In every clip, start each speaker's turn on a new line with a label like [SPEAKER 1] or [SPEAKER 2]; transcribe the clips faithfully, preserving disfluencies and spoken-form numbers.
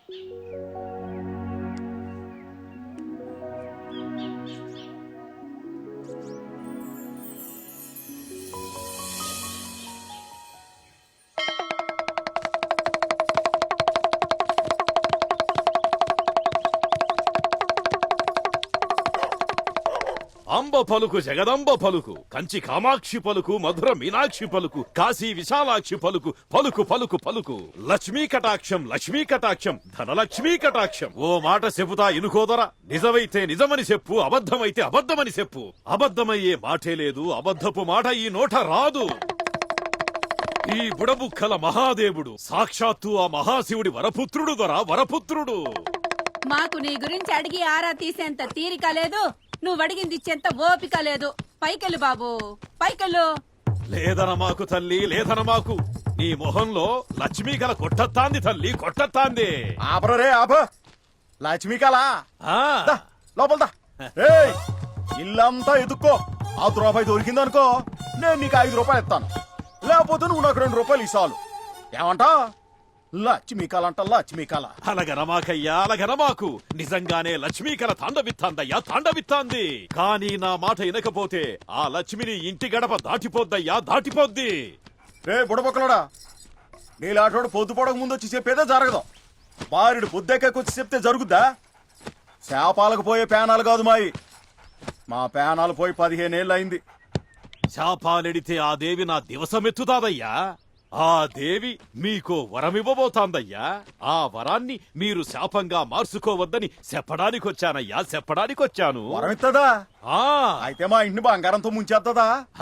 [SPEAKER 1] అంబ పలుకు జగదంబ పలుకు, కంచి కామాక్షి పలుకు, మధుర మీనాక్షి పలుకు, కాశీ విశాలాక్షి పలుకు, పలుకు పలుకు పలుకు. లక్ష్మీ కటాక్షం లక్ష్మీ కటాక్షం ధనలక్ష్మీ కటాక్షం. ఓ మాట చెబుతా ఇనుకోదరా, నిజమైతే నిజమని చెప్పు, అబద్ధమైతే అబద్ధమని చెప్పు. అబద్ధమయ్యే మాటే లేదు, అబద్ధపు మాట ఈ నోట రాదు. ఈ బుడబుక్కల మహాదేవుడు సాక్షాత్తు ఆ మహాశివుడి వరపుత్రుడు దొరా, వరపుత్రుడు.
[SPEAKER 2] మాకు నీ గురించి అడిగి ఆరా తీసేంత తీరిక లేదు, నువ్వు అడిగింది ఇచ్చేంత ఓపిక లేదు. పైకెళ్ళు బాబు, పైకెళ్ళు.
[SPEAKER 1] లేదన మాకు తల్లి, లేదన మాకు. నీ మొహంలో లక్ష్మీ కళ కొట్టత్తాంది తల్లి, కొట్టత్తాంది.
[SPEAKER 3] ఆపరే ఆప లక్ష్మీ కళ
[SPEAKER 1] ఆ
[SPEAKER 3] లోపలదా. ఇల్లంతా ఎదుక్కో, ఆ రూపాయి దొరికిందనుకో నేను నీకు ఐదు రూపాయలు ఇస్తాను, లేకపోతే నువ్వు నాకు రెండు రూపాయలు ఇస్తాను. ఏమంటా? లక్ష్మీ కళ అంట, లక్ష్మీ కళ.
[SPEAKER 1] అలగనమాకయ్యా, అలగనమాకు. నిజంగానే లక్ష్మీ కళ తాండవిత్తాందయ్యా, తాండవిత్తాంది. కానీ నా మాట వినకపోతే ఆ లక్ష్మిని ఇంటి గడప దాటిపోద్దయ్యా, దాటిపోద్ది.
[SPEAKER 3] రే బుడబొక్కలోడా, నీలాటోడు పొద్దు పొడక ముందు వచ్చి చెప్పేదే జరగదు. బారుడు పొద్దెక్కొచ్చి చెప్తే జరుగుద్దా? శాపాలకు పోయే పేనాలు కాదు మాయి, మా పేనాలు పోయి పదిహేనేళ్ళు అయింది.
[SPEAKER 1] శాపాలెడితే ఆ దేవి నా దివసమెత్తుతాదయ్యా. ఆ దేవి మీకో వరమివ్వబోతాందయ్యా. ఆ వరాన్ని మీరు శాపంగా మార్చుకోవద్దని చెప్పడానికొచ్చానయ్యా, చెప్పడానికొచ్చాను.
[SPEAKER 3] వరమిత్తదా?
[SPEAKER 1] ఆ
[SPEAKER 3] అయితే మా ఇంటిని బంగారంతో ముంచేత్తదా?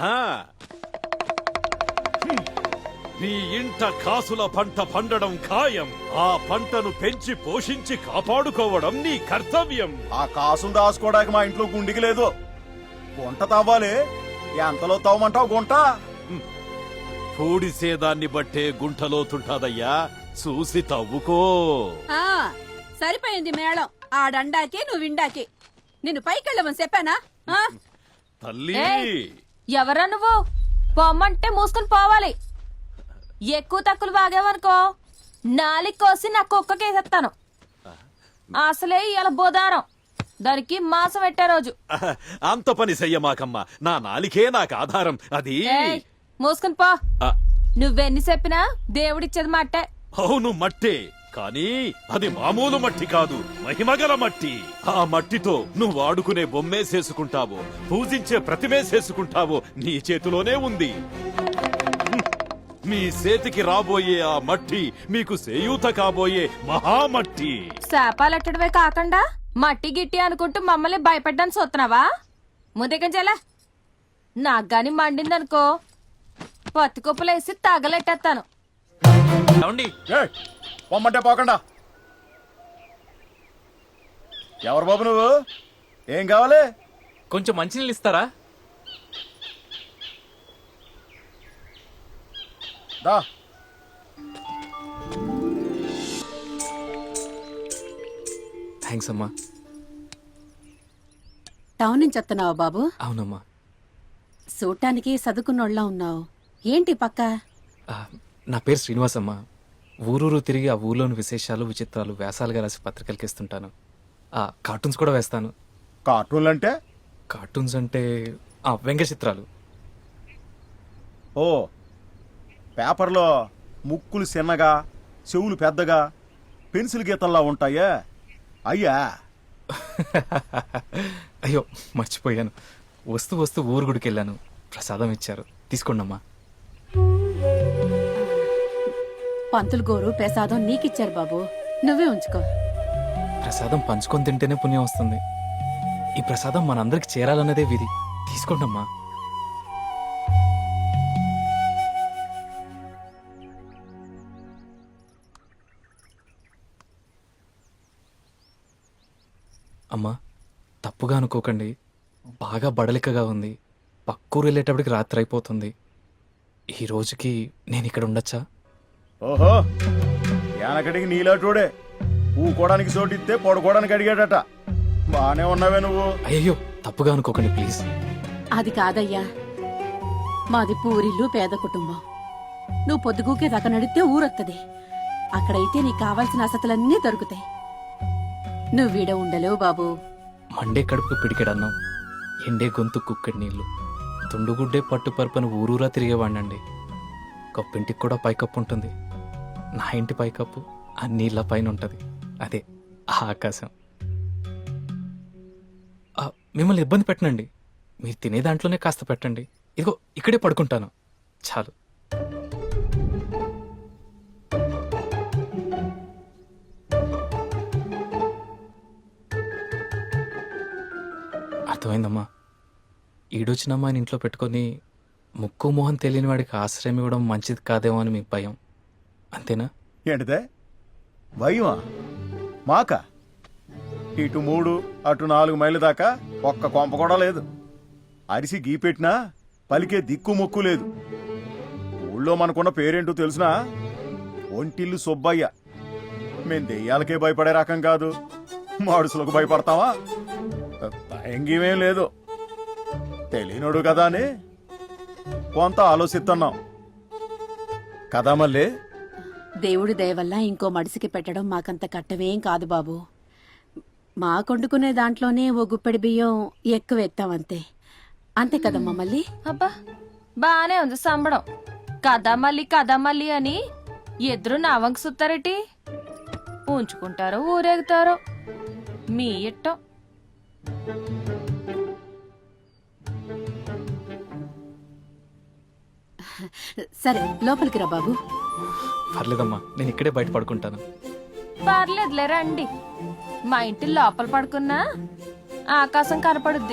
[SPEAKER 1] నీ ఇంట కాసుల పంట పండడం ఖాయం. ఆ పంటను పెంచి పోషించి కాపాడుకోవడం నీ కర్తవ్యం.
[SPEAKER 3] ఆ కాసులు దాచుకోవడానికి మా ఇంట్లో గుండికి లేదు. గుంట తవ్వాలి, ఎంతలో తవ్వమంటావు గుంట?
[SPEAKER 1] పూడిసేదాన్ని బట్టే గుంటలో తుంటాదయ్యా, చూసి తవ్వుకో.
[SPEAKER 2] ఆ సరిపోయింది మేళం. ఆ డండాకి నువ్వు విండాకి. నిన్ను పైకెళ్ళమని చెప్పానా? ఆ?
[SPEAKER 1] తల్లి
[SPEAKER 4] ఎవరా నువ్వు? పొమ్మంటే మూసుకుని పోవాలి. ఎక్కువ తక్కువ బాగేవనుకో నాలికి కోసి నా కుక్కకేసేస్తాను. అసలే ఇలా బోదారం, దానికి మాసం పెట్టే రోజు.
[SPEAKER 1] అంత పని చెయ్యమాకమ్మా, నా నాలికే నాకు ఆధారం. అది
[SPEAKER 4] మూసుకుని పో. నువ్వెన్ని చెప్పినా దేవుడిచ్చేది మట్టే.
[SPEAKER 1] అవును మట్టే, కానీ అది మామూలు మట్టి కాదు, మహిమగల మట్టి. ఆ మట్టితో నువ్వు ఆడుకునే బొమ్మేసేసుకుంటావో, పూజించే ప్రతిమేసేసుకుంటావో నీ చేతిలోనే ఉంది. మీ చేతికి రాబోయే ఆ మట్టి మీకు సేయూత కాబోయే మహామట్టి.
[SPEAKER 4] శాపాలెట్టడమే కాకుండా మట్టి గిట్టి అనుకుంటూ మమ్మల్ని భయపడ్డాను చూస్తున్నావా? ముందుకంచెలా నాకు గాని మండిందనుకో పత్తి కుప్పలేసి తగలెట్టేస్తాను.
[SPEAKER 3] పొమ్మంటే పోకుండా. ఎవరు బాబు నువ్వు? ఏం కావాలి?
[SPEAKER 5] కొంచెం మంచినీళ్ళు ఇస్తారా?
[SPEAKER 3] దా.
[SPEAKER 5] థ్యాంక్స్ అమ్మా.
[SPEAKER 2] టౌన్ నుంచి వస్తున్నావా బాబు?
[SPEAKER 5] అవునమ్మా.
[SPEAKER 2] చూడటానికి చదువుకున్నోళ్ళ ఉన్నావు. ఏంటి పక్క?
[SPEAKER 5] నా పేరు శ్రీనివాస్ అమ్మా. ఊరూరు తిరిగి ఆ ఊర్లోని విశేషాలు విచిత్రాలు వ్యాసాలుగా రాసి పత్రికలకి ఇస్తుంటాను. ఆ కార్టూన్స్ కూడా వేస్తాను.
[SPEAKER 3] కార్టూన్లు అంటే?
[SPEAKER 5] కార్టూన్స్ అంటే ఆ వ్యంగ్య చిత్రాలు.
[SPEAKER 3] ఓ, పేపర్లో ముక్కులు చిన్నగా చెవులు పెద్దగా పెన్సిల్ గీతల్లా ఉంటాయే అయ్యా?
[SPEAKER 5] అయ్యో మర్చిపోయాను. వస్తూ వస్తూ ఊరు గుడికి వెళ్ళాను, ప్రసాదం ఇచ్చారు, తీసుకోండమ్మా.
[SPEAKER 2] పంతులు గోరు ప్రసాదం నీకిచ్చారు బాబు, నువ్వే ఉంచుకో.
[SPEAKER 5] ప్రసాదం పంచుకొని తింటేనే పుణ్యం వస్తుంది. ఈ ప్రసాదం మనందరికి చేరాలన్నదే విధి. తీసుకోండమ్మా. అమ్మా తప్పుగా అనుకోకండి, బాగా బడలికగా ఉంది. పక్కూరు వెళ్ళేటప్పటికి రాత్రి అయిపోతుంది. ఈ రోజుకి నేను ఇక్కడ ఉండొచ్చా?
[SPEAKER 3] ఓహో, యానకడికి నీలాటోడే ఊకోడానికి చోటిస్తే పడుకోవడానికి అడిగాడట. బానే ఉన్నావే నువ్వు.
[SPEAKER 5] అయ్యో తప్పుగా అనుకోకండి ప్లీజ్.
[SPEAKER 2] అది కాదయ్యా, మాది పూరిల్లు పేద కుటుంబం. నువ్వు పొద్దుగూకే దాకా నడితే ఊరొత్తది. అక్కడైతే నీకు కావాల్సిన వసతులన్నీ దొరుకుతాయి. నువ్వు వీడ ఉండలేవు బాబు.
[SPEAKER 5] మండే కడుపుకు పిడికెడన్నాం, ఎండే గొంతు కుక్కడి నీళ్లు, తుండుగుడ్డే పట్టు పరుపుని ఊరూరా తిరిగేవాడినండి. కప్పింటికి కూడా పైకప్పు ఉంటుంది. నా ఇంటి పైకప్పు ఆ నీళ్ళ పైన ఉంటుంది. అదే ఆ ఆకాశం. ఆ, మిమ్మల్ని ఇబ్బంది పెట్టనండి. మీరు తినే దాంట్లోనే కాస్త పెట్టండి. ఇదిగో ఇక్కడే పడుకుంటాను చాలు. అర్థమైందమ్మా. ఈడొచ్చిన అమ్మాయిని ఇంట్లో పెట్టుకొని ముక్కు మొహం తెలియని వాడికి ఆశ్రయం ఇవ్వడం మంచిది కాదేమో అని మీకు భయం, అంతేనా?
[SPEAKER 3] ఏంటిదే భయమా? మాక ఇటు మూడు అటు నాలుగు మైళ్ళ దాకా ఒక్క కొంప కూడా లేదు. అరిసి గీ పెట్టినా పలికే దిక్కు మొక్కు లేదు. ఊళ్ళో మనకున్న పేరేంటో తెలుసునా? ఒంటిల్లు సుబ్బయ్య. మేం దెయ్యాలకే భయపడే రకం కాదు, మాడుసులకు భయపడతావా? భయంగీమేం లేదు. తెలియనోడు కదా అని కొంత ఆలోచిస్తున్నాం కదా మళ్ళీ.
[SPEAKER 2] దేవుడి దయ వల్ల ఇంకో మడిసికి పెట్టడం మాకంత కట్టవేం కాదు బాబు. మా కొండుకునే దాంట్లోనే ఓ గుప్పెడి బియ్యం ఎక్కువ ఎత్తామంతే. అంతే కదమ్మా మళ్ళీ.
[SPEAKER 4] అబ్బా బానే ఉంది సంబడం. కథ మళ్ళీ కథ మళ్ళీ అని ఎదురు నావంక సుత్తారేటి? ఉంచుకుంటారో ఊరేగుతారో మీ ఇట్టం.
[SPEAKER 2] సరే లోపలికి రా బాబు.
[SPEAKER 5] పర్లేదమ్మా, నేను ఇక్కడే బయట పడుకుంటాను.
[SPEAKER 4] పర్లేదులే రండి. మా ఇంటి లోపల పడుకున్నా ఆకాశం కనపడుద్ది.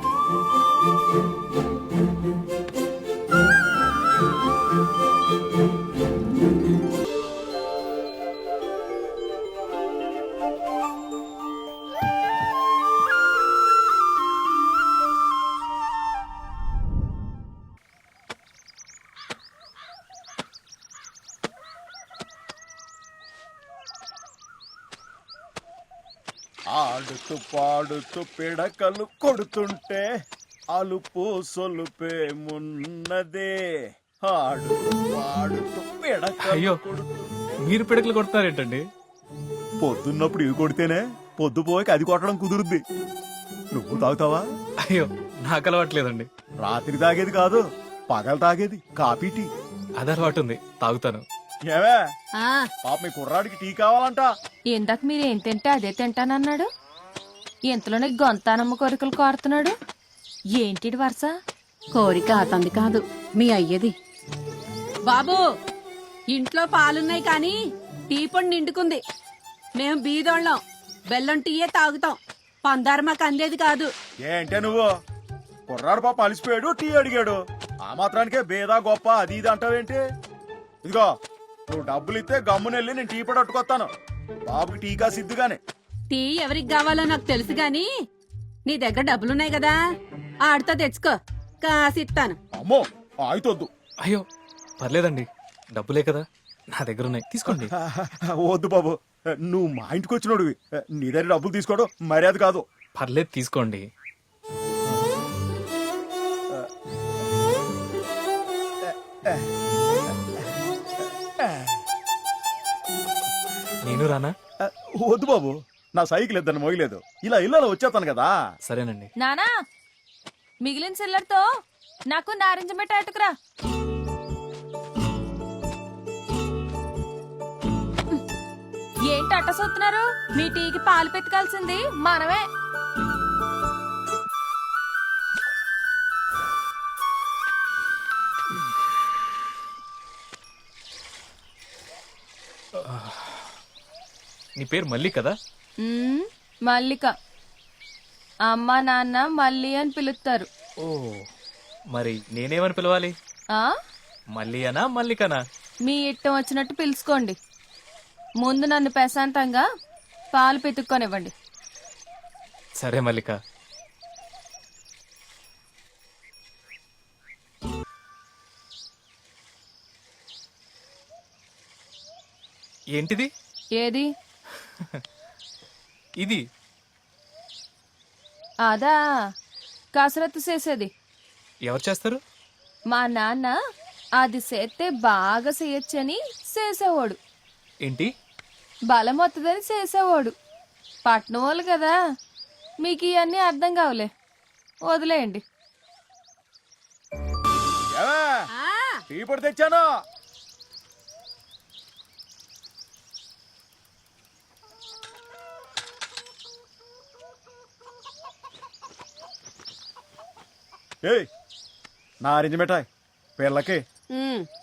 [SPEAKER 3] ఆడుతూ పాడుతూ పిడకలు కొడుతుంటే అలుపు సొలుపే మున్నదే. ఆడుతూ పాడుతూ పిడకలు
[SPEAKER 5] అయ్యో, మీరు పిడకలు కొడతారేంటండి?
[SPEAKER 3] పొద్దున్నప్పుడు ఇవి కొడితేనే పొద్దు పోయి అది కొట్టడం కుదురుద్ది. నువ్వు తాగుతావా?
[SPEAKER 5] అయ్యో, నాకు అలవాట్లేదండి.
[SPEAKER 3] రాత్రి తాగేది కాదు, పగలు తాగేది కాఫీ టీ.
[SPEAKER 5] అది అలవాటు ఉంది, తాగుతాను.
[SPEAKER 3] ఏవే
[SPEAKER 2] ఆ
[SPEAKER 3] పాప మీ కుర్రాడికి టీ కావాలంట.
[SPEAKER 4] ఇందాక మీరేం తింటే అదే తింటానన్నాడు. ఇంతలోనే గొంతానమ్మ కోరికలు కోరుతున్నాడు. ఏంటి వరుస?
[SPEAKER 2] కోరిక అతంది కాదు, మీ అయ్యది. బాబు ఇంట్లో పాలున్నాయి కానీ టీ పొడి నిండుకుంది. మేం బీదోళ్ళం, బెల్లం టీయే తాగుతాం. పందారు మాకు అందేది కాదు.
[SPEAKER 3] ఏంటే నువ్వు? కుర్రాడు పాప అలిసిపోయాడు, టీ అడిగాడు. ఆ మాత్రానికే బేదా గొప్ప అది ఇది అంటావేంటి? ఇదిగో నువ్వు డబ్బులు ఇస్తే గమ్మునెళ్ళి నేను టీ పొడి అట్టుకొస్తాను. బాబుకి టీకా సిద్ధిగానే.
[SPEAKER 2] టీ ఎవరికి కావాలో నాకు తెలుసు గాని నీ దగ్గర డబ్బులున్నాయి కదా, ఆడితో తెచ్చుకో, కాసిస్తాను.
[SPEAKER 3] అమ్మో ఆయితొద్దు.
[SPEAKER 5] అయ్యో పర్లేదండి, డబ్బులే కదా నా దగ్గర ఉన్నాయి, తీసుకోండి.
[SPEAKER 3] వద్దు బాబు, నువ్వు మా ఇంటికి వచ్చినోడివి, నీ దగ్గర డబ్బులు తీసుకోవడం మర్యాద కాదు.
[SPEAKER 5] పర్లేదు తీసుకోండి. నేను రానా?
[SPEAKER 3] వద్దు బాబు, నా సైకిల్ ఇద్దని మోయలేదు. ఇలా ఇళ్ళలో వచ్చేస్తాను కదా.
[SPEAKER 5] సరేనండి.
[SPEAKER 4] నానా మిగిలిన సిల్లర్తో నాకు నారింజ మిఠాయి అటుకురా. ఏంటి అట్ట సొత్తున్నారు? మీ టీకి పాలు పెతకాల్సింది మనమే.
[SPEAKER 5] నీ పేరు మళ్ళీ కదా?
[SPEAKER 4] మ్మ్, మల్లిక. అమ్మ నాన్న మల్లి అని పిలుస్తారు.
[SPEAKER 5] ఓ, మరి నేనేమని పిలవాలి?
[SPEAKER 4] ఆ
[SPEAKER 5] మళ్ళీ అనా మల్లికనా?
[SPEAKER 4] మీ ఇట్టం వచ్చినట్టు పిలుచుకోండి. ముందు నన్ను ప్రశాంతంగా పాలు పితుక్కొనివ్వండి.
[SPEAKER 5] సరే మల్లిక. ఏంటిది?
[SPEAKER 4] ఏది?
[SPEAKER 5] ఇది
[SPEAKER 4] అదా కసరత్తు చేసేది.
[SPEAKER 5] ఎవరు చేస్తారు?
[SPEAKER 4] మా నాన్న అది చేస్తే బాగా చేయొచ్చని చేసేవాడు.
[SPEAKER 5] ఏంటి?
[SPEAKER 4] బలం వస్తుందని చేసేవాడు. పట్నం వాళ్ళు కదా, మీకు ఇవన్నీ అర్థం కావులే, వదిలేయండి.
[SPEAKER 3] ఏవే,
[SPEAKER 2] ఆ,
[SPEAKER 3] టీ పొడి తెచ్చాను. ఏయ్, నారింజ మిఠాయి పిల్లకి.
[SPEAKER 2] ఉమ్,